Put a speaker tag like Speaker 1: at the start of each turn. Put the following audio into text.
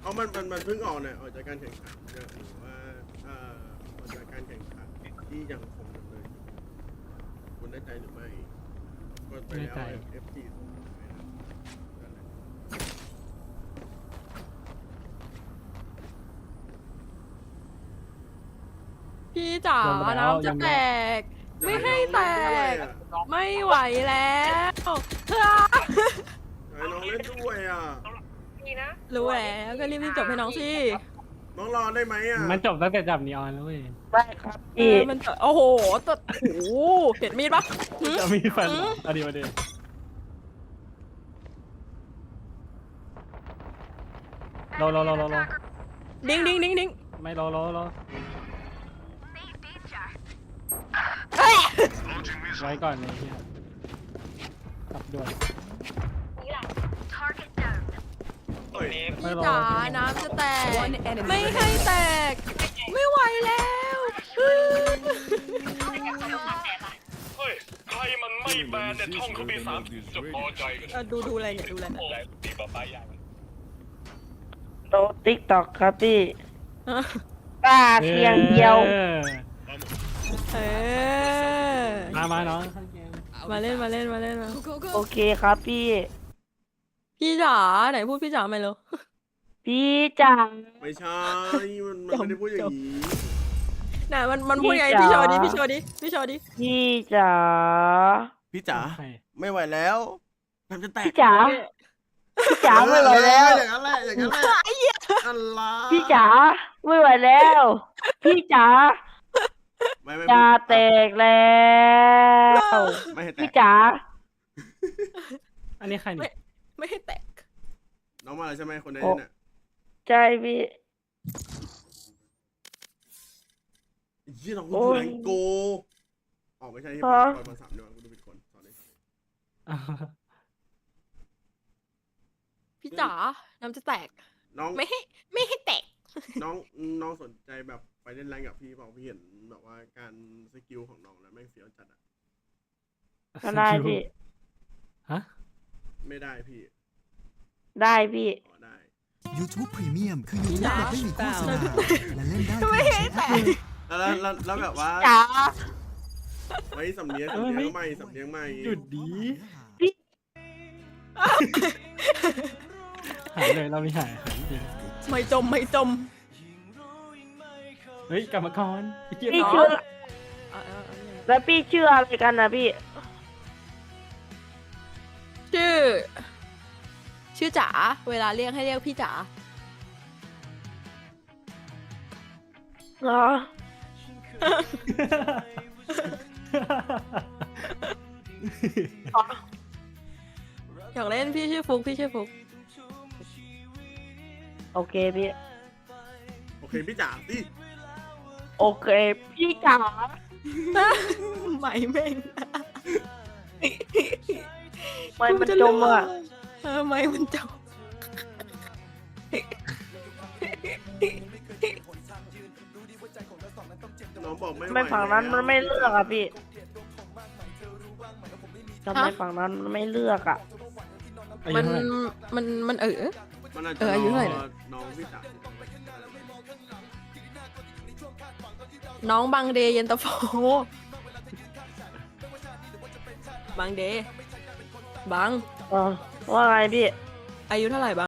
Speaker 1: เอามันเพิ่งออกเนี่ยออกจากการแข่งขันหรือว่าออกจากการแข่งขันที่ยังคงดำเนินอยู่คุณได้ใจหรือไม่ก็ไปแล้ว F4 ส่งไปนะ
Speaker 2: พี่จ๋าน้ำจะแตกไม่ให้แตกไม่ไหวแล้ว
Speaker 1: ให้น้องเล่นด้วยอ่ะ
Speaker 2: รู้แล้วก็รีบจบให้น้องสิ
Speaker 1: น้องรอได้ไหมอ่ะ
Speaker 3: มันจบตั้งแต่จับนีออนแล้วเว้ย
Speaker 4: ได้ครับพี่
Speaker 2: มันโอ้โหตัวโอ้โหเห็นมีดปะ
Speaker 3: จะมีแฟนอดีตมาดีรอ
Speaker 2: ดิ้ง
Speaker 3: ไม่รอไว้ก่อนเลยขับด่วน
Speaker 2: พี่จ๋าน้ำจะแตกไม่ให้แตกไม่ไหวแล้ว
Speaker 5: เฮ้ยใครมันไม่แบนเนี่ยท่องเขาปีสามจะพอใจกัน
Speaker 2: ดูอะไรเนี่ยดูอะไร
Speaker 5: ดีกว่าป้ายยาง
Speaker 4: โตติ๊กต็อกครับพี่ป้าเพียงเดียว
Speaker 3: มาน้อง
Speaker 2: มาเล่นมา
Speaker 4: โอเคครับพี่
Speaker 2: พี่จ๋าไหนพูดพี่จ๋าไหมเหรอ
Speaker 4: พี่จัง
Speaker 1: ไม่ใช่มันไม่ได้พูดอย่างนี้
Speaker 2: ไหนมันพูดไงพี่โชว์ดิพี่โชว์ดิ
Speaker 4: พี่จ๋า
Speaker 1: พี่จ๋าไม่ไหวแล้วน้ำจะแตก
Speaker 4: พี่จ๋าพี่จ๋าไม่ไหวแล้ว
Speaker 1: อย่างนั้นแหละอะไร
Speaker 4: พี่จ๋าไม่ไหวแล้วพี่จ๋า
Speaker 1: ไม่
Speaker 4: จะแตกแล้ว
Speaker 1: ไม่ให้แต
Speaker 4: พี่
Speaker 1: ก
Speaker 4: จ๋า
Speaker 3: อันนี้ใครนี่
Speaker 2: ไม่ให้แตก
Speaker 1: น้องมาแล้วใช่ไหมคนนี้เนี่ย
Speaker 4: ใช่พี่
Speaker 1: ยี่น้องคุณแรงโกออกไม่ใช่ที่ปล่อยมา3เดือนกูดูผิดคนสอนเลย
Speaker 2: พี่จ๋าน้ำจะแตก
Speaker 1: น้อง
Speaker 2: ไม่ให้แตก
Speaker 1: น้องสนใจแบบไปเล่นแรงกับพี่เปล่าพี่เห็นแบบว่าการสกิลของน้องแล้วแม่งเฟี้ยวจัดอ่ะ
Speaker 4: ก็ได้พี่
Speaker 3: ฮะ
Speaker 1: ไม่ได้พี่
Speaker 4: ได้พี่
Speaker 1: อ๋อได้
Speaker 6: YouTube Premium คือ YouTube แบบไม่มีโฆษณาและเล่นได้
Speaker 2: ไม่ให้แตก
Speaker 1: แล้วแบบว่า
Speaker 4: จ๋า
Speaker 1: ไว้สำเนียงใหม่
Speaker 3: หยุดดีหายเลยเราไม่หายจริง
Speaker 2: ไม่จม
Speaker 3: เฮ้ยกรรมกร
Speaker 4: พี่ชื่อแล้วพี่ชื่ออะไรกันนะพี่
Speaker 2: ชื่อจ๋าเวลาเรียกให้เรียกพี่จ๋า
Speaker 4: เหรอ
Speaker 2: อยากเล่นพี่ชื่อฟุก
Speaker 4: โอเคพี่
Speaker 1: โอเคพี่จ๋าสิ
Speaker 4: โอเคพี่จ๋า
Speaker 2: ไม่เม่ง
Speaker 4: ไม่มันจมอ่ะ
Speaker 2: ไม่มันจม
Speaker 1: น้องบอกไม่
Speaker 4: ทำไมฝั่งนั้นมันไม่เลือกอ่ะพี่ทำไมฝั่งนั้นมันไม่เลือกอ่ะ
Speaker 3: อายุ
Speaker 2: มัน
Speaker 3: เท่าไหร่
Speaker 2: มัน
Speaker 1: มันอาจจะ
Speaker 2: อายุเท่าไหร่
Speaker 1: รอน้องพี่จ๋า
Speaker 2: น้องบางเดย์เย็นตาโฟบางเดย์บาง
Speaker 4: ว่าไงพี่
Speaker 2: อายุเท่าไหร่บาง